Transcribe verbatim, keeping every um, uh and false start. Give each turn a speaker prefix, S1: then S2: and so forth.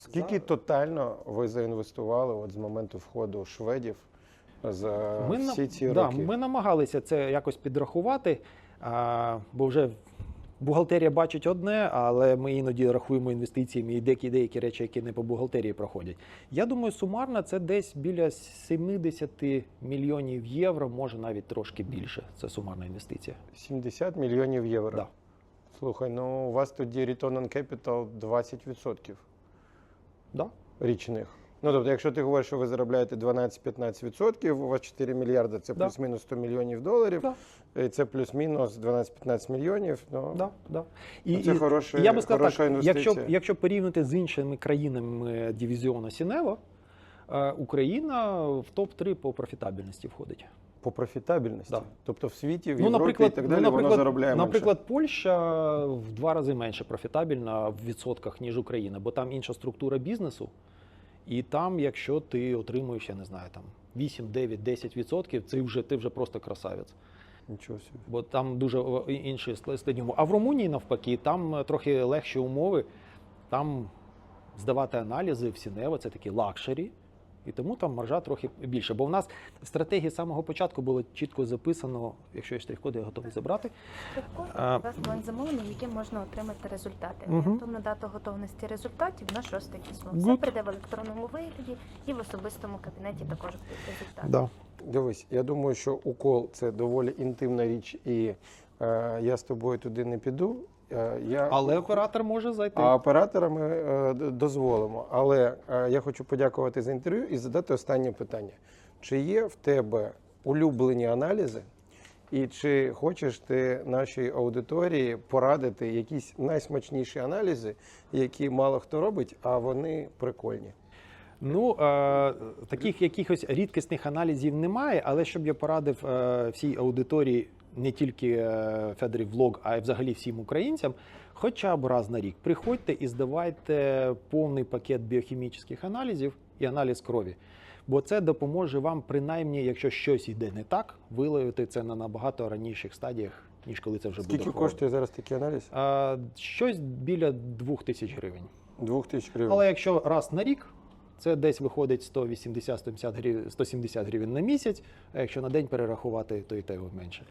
S1: Скільки тотально ви заінвестували от з моменту входу шведів за
S2: Ми,
S1: всі ці
S2: да,
S1: роки?
S2: ми намагалися це якось підрахувати, а, бо вже бухгалтерія бачить одне, але ми іноді рахуємо інвестиціями і деякі, деякі речі, які не по бухгалтерії проходять. Я думаю, сумарно це десь біля сімдесят мільйонів євро, може навіть трошки більше. Це сумарна інвестиція.
S1: сімдесят мільйонів євро?
S2: Да.
S1: Слухай, ну у вас тоді return on capital двадцять відсотків
S2: Да.
S1: річних. Ну, тобто, якщо ти говориш, що ви заробляєте дванадцять-п'ятнадцять відсотків, у вас чотири мільярди, це
S2: Да.
S1: плюс-мінус сто мільйонів доларів,
S2: Да.
S1: і це плюс-мінус дванадцять-п'ятнадцять мільйонів. Ну,
S2: Да, да.
S1: І, це хороша,
S2: я би сказав
S1: хороша
S2: так,
S1: інвестиція.
S2: якщо, якщо порівняти з іншими країнами дивізіону Сінево, е, Україна в топ три по профітабельності входить.
S1: По профітабельності?
S2: Да.
S1: Тобто в світі, в
S2: Ну,
S1: Європі
S2: наприклад,
S1: і так далі
S2: ну,
S1: воно заробляє менше?
S2: Наприклад, Польща в два рази менше профітабельна в відсотках, ніж Україна, бо там інша структура бізнесу. І там, якщо ти отримуєш, я не знаю, там вісім, дев'ять, десять відсотків, це вже, ти вже просто красавець.
S1: Нічого собі.
S2: Бо там дуже інші складні умови. А в Румунії, навпаки, там трохи легші умови. Там здавати аналізи в Сінево – це такі лакшері. І тому там маржа трохи більше. Бо в нас в стратегії з самого початку було чітко записано, якщо є штрих-коди, я готовий забрати.
S3: Штрих-код –
S2: А,
S3: у вас план замовлення, яким можна отримати результати.
S2: Мгм.
S3: Орієнтовна дата готовності результатів на шосте число. Все
S2: Good.
S3: прийде в електронному вигляді і в особистому кабінеті також будуть результати.
S2: Да.
S1: Дивись, я думаю, що укол – це доволі інтимна річ, і е, я з тобою туди не піду. Е, я...
S2: Але оператор може зайти.
S1: А оператора ми е, д- дозволимо. Але е, я хочу подякувати за інтерв'ю і задати останнє питання. Чи є в тебе улюблені аналізи? І чи хочеш ти нашій аудиторії порадити якісь найсмачніші аналізи, які мало хто робить, а вони прикольні?
S2: Ну, е, таких якихось рідкісних аналізів немає, але щоб я порадив е, всій аудиторії, не тільки е, Федорів Влог, а й взагалі всім українцям, хоча б раз на рік приходьте і здавайте повний пакет біохімічних аналізів і аналіз крові. Бо це допоможе вам, принаймні, якщо щось йде не так, виявити це на набагато раніших стадіях, ніж коли це вже буде.
S1: Скільки
S2: хвороба.
S1: коштує зараз такий аналіз?
S2: Е, щось біля двох тисяч гривень.
S1: Двох тисяч гривень.
S2: Але якщо раз на рік, це десь виходить сто вісімдесят - сто сімдесят гривень на місяць, а якщо на день перерахувати, то і те менше.